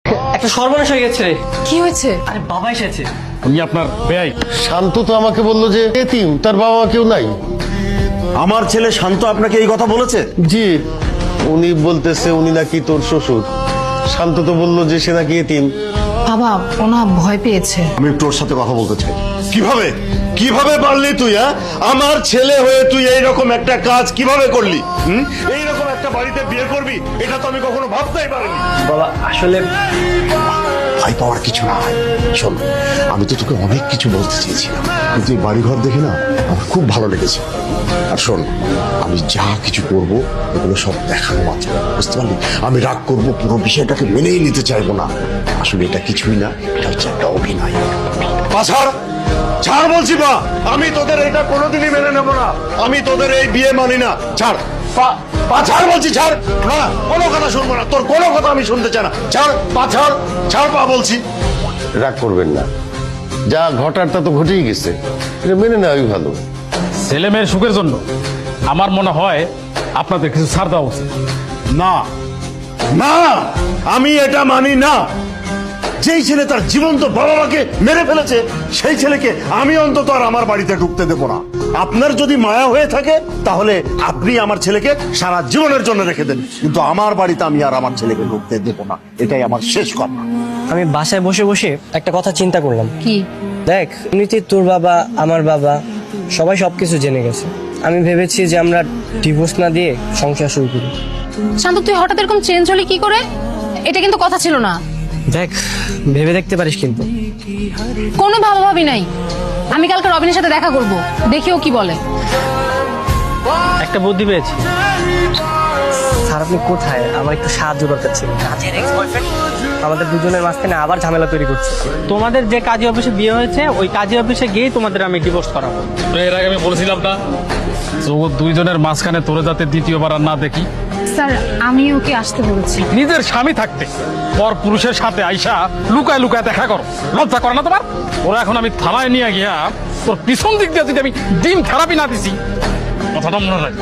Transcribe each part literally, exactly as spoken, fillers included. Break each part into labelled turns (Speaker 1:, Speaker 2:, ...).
Speaker 1: একটা সর্বনাশ হয়ে গেছে রে।
Speaker 2: কি হয়েছে?
Speaker 1: আরে বাবা এসেছে।
Speaker 3: উনি আপনার বেয়াই।
Speaker 4: শান্ত তো আমাকে বললো যে এতিম, তার বাবা মা কেউ নাই।
Speaker 5: আমার ছেলে শান্ত আপনাকে এই কথা বলেছে?
Speaker 4: জি, উনি বলতেছে উনি নাকি তোর শ্বশুর। শান্ত তো বললো যে সে নাকি এতিম।
Speaker 2: বাবা ওনা ভয় পেয়েছে।
Speaker 5: আমি একটু ওর সাথে কথা বলতে চাই। কিভাবে কিভাবে পারলি তুই? হ্যাঁ, আমার ছেলে হয়ে তুই এইরকম একটা কাজ কিভাবে করলি? হুম, এইরকম একটা বাড়িতে বিয়ে করবি, এটা তো আমি কখনো ভাবতেই পারিনি।
Speaker 1: বাবা আসলে
Speaker 5: ভয় পাওয়ার কিছু না। শোন, আমি তো তোকে অনেক কিছু বলতে চেয়েছিলাম, কিন্তু এই বাড়িঘর দেখে না আমার খুব ভালো লেগেছে। আর শোন, আমি যা কিছু করব এগুলো সব দেখানো মাত্র, বুঝতে পারলি? আমি রাগ করব, পুরো বিষয়টাকে মেনেই নিতে চাইবো না। আসলে এটা কিছুই না, এটা হচ্ছে একটা অভিনয়। পাছাড় ছাড় বলছি মা, আমি তোদের এটা কোনোদিনই মেনে নেবো না। আমি তোদের এই বিয়ে মানি না। ছাড় পা, পা ছাড় বলছি, ছাড়। না, কোনো কথা শুনবো না, তোর কোনো কথা আমি শুনতে চাই না। ছাড় পা, ছাড়, ছাড় পা বলছি।
Speaker 4: রাগ করবেন না, যা ঘটার তা তো ঘটেই গেছে, এটা মেনে নেওয়াই ভালো।
Speaker 3: ছেলে মেয়ের সুখের জন্য আমার মনে হয় আপনাদের কিছু ছাড় দেওয়া উচিত।
Speaker 5: না না, আমি এটা মানি না। যেই ছেলে তার জীবন্ত বাবা মাকে মেরে ফেলেছে, সেই ছেলেকে আমি অন্তত আর আমার বাড়িতে ঢুকতে দেবো না। আপনার যদি মায়া হয়ে থাকে তাহলে আপনি আমার ছেলেকে সারা জীবনের জন্য রেখে দেন, কিন্তু আমার বাড়িতে আমি আর আমার ছেলেকে ঢুকতে দেবো না। এটাই আমার শেষ কথা।
Speaker 1: আমি বাসায় বসে বসে একটা কথা চিন্তা করলাম।
Speaker 2: কি?
Speaker 1: দেখ, এমনিতে তোর বাবা আমার বাবা সবাই সবকিছু জেনে গেছে। আমি ভেবেছি যে আমরা ডিভোর্স না দিয়ে সংসার শুরু করি।
Speaker 2: শান্ত তুই হঠাৎ এরকম চেঞ্জ হলি কি করে? এটা কিন্তু কথা ছিল না।
Speaker 1: দেখ, ভেবে দেখতে পারিস কিন্তু।
Speaker 2: কোনো ভাবা ভাবি নাই। আমি কালকে রবিনের সাথে দেখা করব, দেখি ও কি বলে।
Speaker 1: একটা বুদ্ধি পেয়েছি। স্যার আপনি কোথায়? আমার একটু সাহায্য দরকার ছিল। কাজের এক্স বয়ফ্রেন্ড আমাদের দুজনের মাঝখানে আবার ঝামেলা তৈরি করছে।
Speaker 6: তোমাদের যে কাজী অফিসে বিয়ে হয়েছে ওই কাজী অফিসে গিয়ে তোমাদের আমি ডিভোর্স করাবো।
Speaker 3: এর আগে আমি বলেছিলাম না জগৎ দুইজনের মাঝখানে তোরে যাতে দ্বিতীয়বার আর না দেখি।
Speaker 2: স্যার আমি ওকে আসতে বলেছি।
Speaker 3: নিজের স্বামী থাকতে পর পুরুষের সাথে আইসা লুকায় লুকায় দেখা করো, লজ্জা করে না তোমার? ওরা এখন আমি থানায় নিয়ে গিয়া তোর পিছন দিক দিয়ে যদি আমি ডিম থেরাপি না দিছি, কথাটা মনে রাখ।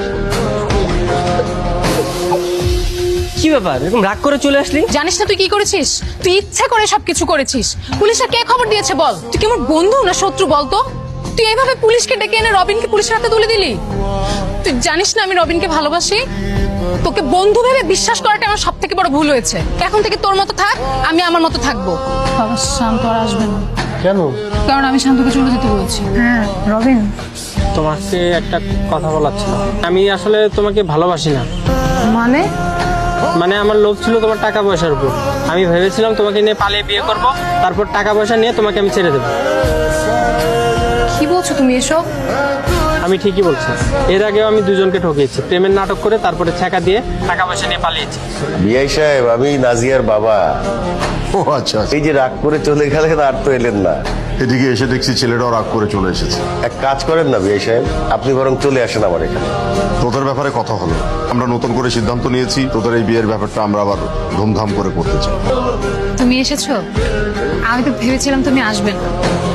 Speaker 1: কি ব্যাপার, এরকম রাগ করে চলে আসলি?
Speaker 2: জানিস না তুই কি করেছিস? তুই ইচ্ছা করে সবকিছু করেছিস। পুলিশে কে খবর দিয়েছে বল? তুই কি আমার বন্ধু না শত্রু বলতো? তুই এইভাবে পুলিশকে ডেকে এনে রবিনকে পুলিশের হাতে তুলে দিলি। তুই জানিস না আমি রবিনকে ভালোবাসি। তোকে বন্ধু ভেবে বিশ্বাস করাটা আমার সব থেকে বড় ভুল হয়েছে। এখন থেকে তোর মতো থাক, আমি আমার মতো থাকবো। বাবা শান্ত আর আসবে না।
Speaker 4: কেন?
Speaker 2: কারণ আমি শান্তকে চলে যেতে বলেছি। হ্যাঁ রবিন,
Speaker 6: তোমাকে একটা কথা বলার ছিল। আমি আসলে তোমাকে ভালোবাসি না।
Speaker 2: মানে?
Speaker 6: মানে আমার লোভ ছিল তোমার টাকা পয়সার উপর। আমি ভেবেছিলাম তোমাকে নিয়ে পালিয়ে বিয়ে করব, তারপর টাকা পয়সা নিয়ে তোমাকে আমি ছেড়ে দেবো।
Speaker 2: কি বলছো তুমি এসব?
Speaker 6: আমি ঠিকই বলছি। এর আগেও আমি দুজনকে ঠকিয়েছি, প্রেমের নাটক করে তারপরে ছ্যাঁকা দিয়ে টাকা পয়সা নিয়ে পালিয়েছি।
Speaker 4: বিআই সাহেব, আমি নাজিয়ার বাবা।
Speaker 5: ও আচ্ছা,
Speaker 4: এই যে রাগ করে চলে গেলেন আর তো এলেন না।
Speaker 5: এদিকে এসে দেখছি ছেলেটাও রাগ করে চলে এসেছে।
Speaker 4: এক কাজ করেন না বিআই সাহেব, আপনি বরং চলে আসেন আমার এখানে।
Speaker 5: তোদের ব্যাপারে কথা হলো, আমরা নতুন করে সিদ্ধান্ত নিয়েছি তোদের এই বিয়ের ব্যাপারটা আমরা আবার ধুমধাম করে করতে চাই।
Speaker 2: তুমি এসেছো? আমি তো ভেবেছিলাম তুমি আসবে না।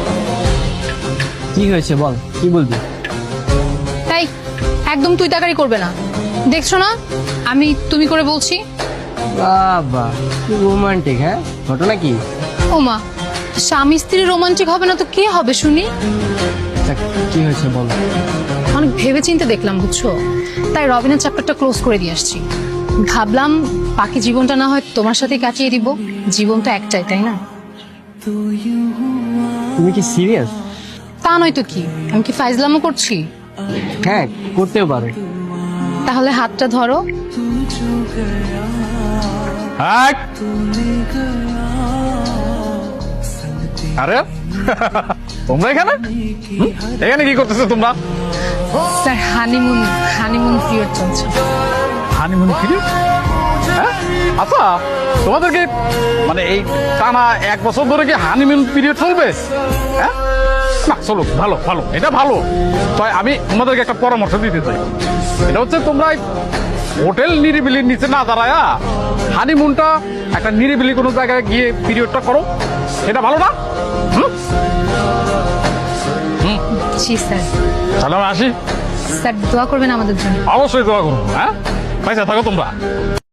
Speaker 6: কি হয়েছে বল, কি বলবি?
Speaker 2: তাই একদম তুই তাকারি করবে না। দেখছো না আমি তুমি করে বলছি।
Speaker 6: বাবা কি রোমান্টিক। হ্যাঁ, ঘটনা কি?
Speaker 2: ওমা, স্বামী স্ত্রী রোমান্টিক হবে না তো কে হবে শুনি?
Speaker 6: কি হয়েছে বল।
Speaker 2: অনেক ভেবে চিন্তে দেখলাম বুঝছো, তাই রবিনের চ্যাপ্টারটা ক্লোজ করে দিয়ে আসছি। ভাবলাম বাকি জীবনটা না হয় তোমার সাথে কাটিয়ে দিব। জীবন তো একটাই, তাই না?
Speaker 6: তুমি কি সিরিয়াস?
Speaker 2: তা নয় তো কি, আমি কি ফাইজলামও করছি?
Speaker 6: হ্যাঁ, করতেও পারো।
Speaker 2: তাহলে হাতটা ধরো।
Speaker 3: এক। আরে তোমরা এখানে হুম? এখানে কি করতেছো তোমরা?
Speaker 2: স্যার হানিমুন হানিমুন পিরিয়ড চলছে।
Speaker 3: Honeymoon period? হ্যাঁ, আচ্ছা তোমাদেরকে মানে এই টানা এক বছর ধরে কি হানিমুন পিরিয়ড চলবে? হ্যাঁ না, চলো, ভালো ভালো, এটা ভালো। তাই আমি তোমাদেরকে একটা পরামর্শ দিতে চাই। এটা হচ্ছে তোমরা হোটেল নিরিবিলির নিচে না দাঁড়ায়া হানিমুনটা একটা নিরিবিলি কোনো জায়গায় গিয়ে পিরিয়ডটা করো, এটা ভালো না? হুম হুম
Speaker 2: জি স্যার।
Speaker 3: তাহলে আমি আসি।
Speaker 2: স্যার দোয়া করবেন আমাদের জন্য।
Speaker 3: অবশ্যই দোয়া করবো। হ্যাঁ, পয়সা থাকো তোমরা।